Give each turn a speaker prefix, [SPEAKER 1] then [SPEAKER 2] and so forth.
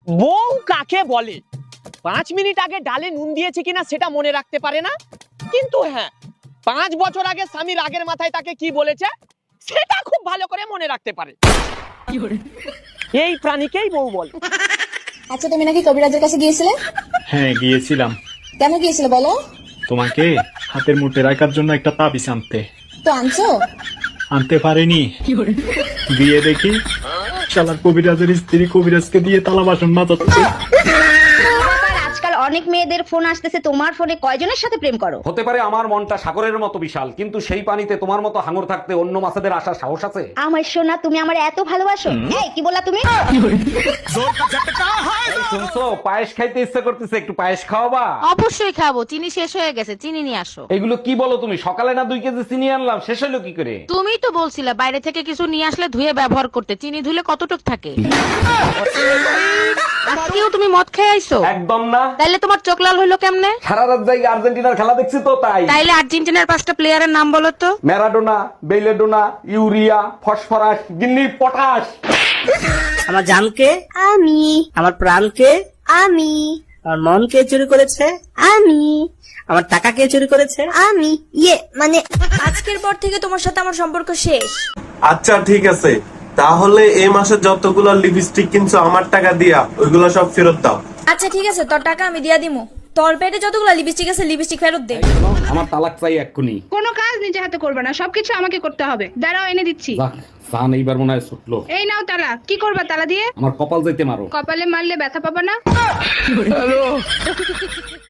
[SPEAKER 1] বউ কাকে বলে? 5 মিনিট আগে ডালে নুন দিয়েছে কিনা সেটা মনে রাখতে পারে না, কিন্তু হ্যাঁ 5 বছর আগে স্বামী রাগের মাথায় তাকে কি বলেছে সেটা খুব ভালো করে মনে রাখতে পারে। এই প্রাণীকেই বউ বলে।
[SPEAKER 2] আচ্ছা, তুমি নাকি কবিরাজের কাছে গিয়েছিলে?
[SPEAKER 3] হ্যাঁ গিয়েছিলাম।
[SPEAKER 2] কেন গিয়েছিলে বলো?
[SPEAKER 3] তোমাকে হাতের মুঠে রাখার জন্য একটা তাবিজ আনতে।
[SPEAKER 2] তো আনছো?
[SPEAKER 3] আনতে পারিনি, দিয়ে দেখি শালার কবিরাজের স্ত্রী কবিরাজকে দিয়ে তালা বাসন মাজাচ্ছে।
[SPEAKER 4] আজকাল অনেক মেয়েদের ফোন আসতেছে, তোমার ফোনে কয়জনের সাথে প্রেম করো?
[SPEAKER 5] হতে পারে আমার মনটা সাগরের মতো বিশাল, কিন্তু সেই পানিতে তোমার মতো হাঙর থাকতে অন্য মাছেদের আসার সাহস আছে?
[SPEAKER 4] আমার সোনা, তুমি আমার এত ভালোবাসো? এই কি বললা তুমি?
[SPEAKER 5] এই শুনছো, পায়েস খাইতে ইচ্ছা করতেছে, একটু পায়েস খাওয়াবা?
[SPEAKER 6] অবশ্যই খাবো, চিনি শেষ হয়ে গেছে, চিনি নিয়ে আসো।
[SPEAKER 5] এগুলো কি বলো তুমি? সকালে না 2 কেজি চিনি আনলাম, শেষ হলো কি করে?
[SPEAKER 6] তুমিই তো বলছিলে বাইরে থেকে কিছু নিয়ে আসলে ধুয়ে ব্যবহার করতে, চিনি ধুলে কতটুক থাকে। আজকেও তুমি মদ খেয়ে আইছো?
[SPEAKER 5] একদম না।
[SPEAKER 6] তাইলে তোমার চোখ লাল হইলো কেমনে?
[SPEAKER 5] সারা রাত যাই আর্জেন্টিনার খেলা দেখছি তো তাই।
[SPEAKER 6] তাইলে আর্জেন্টিনার 5টা প্লেয়ারের নাম বলো তো।
[SPEAKER 5] ম্যারাডোনা, বেইলেডোনা, ইউরিয়া, ফসফরাস, গিন্নি, পটাশ।
[SPEAKER 7] আমার জানকে
[SPEAKER 2] আমি।
[SPEAKER 7] আমার প্রাণকে
[SPEAKER 2] আমি।
[SPEAKER 7] আমার মন কে চুরি করেছে?
[SPEAKER 2] আমি।
[SPEAKER 7] আমার টাকা কে চুরি করেছে?
[SPEAKER 2] আমি মানে আজকের পর থেকে তোমার সাথে আমার সম্পর্ক শেষ।
[SPEAKER 8] আচ্ছা ঠিক আছে, তাহলে এই মাসে যতগুলো লিপস্টিক কিনছো আমার টাকা দিয়া ওইগুলো সব ফেরত দাও।
[SPEAKER 2] আচ্ছা ঠিক আছে, তোর টাকা আমি দিয়া দিমু। তোর পেটে যতগুলো লিপস্টিক আছে লিপস্টিক ফেরত দে।
[SPEAKER 5] আমার তালাক চাই এক্ষুনি।
[SPEAKER 9] কোনো কাজ নিজে হাতে করবে না, সবকিছু আমাকে করতে হবে। দাঁড়াও, এনে দিচ্ছি।
[SPEAKER 5] যাক, জান এইবার মনে হয় ছুটলো।
[SPEAKER 9] এই নাও তালা। কি করবা তালা দিয়ে?
[SPEAKER 5] আমার কপাল যাইতে মারো।
[SPEAKER 9] কপালে মারলে ব্যথা পাবা না।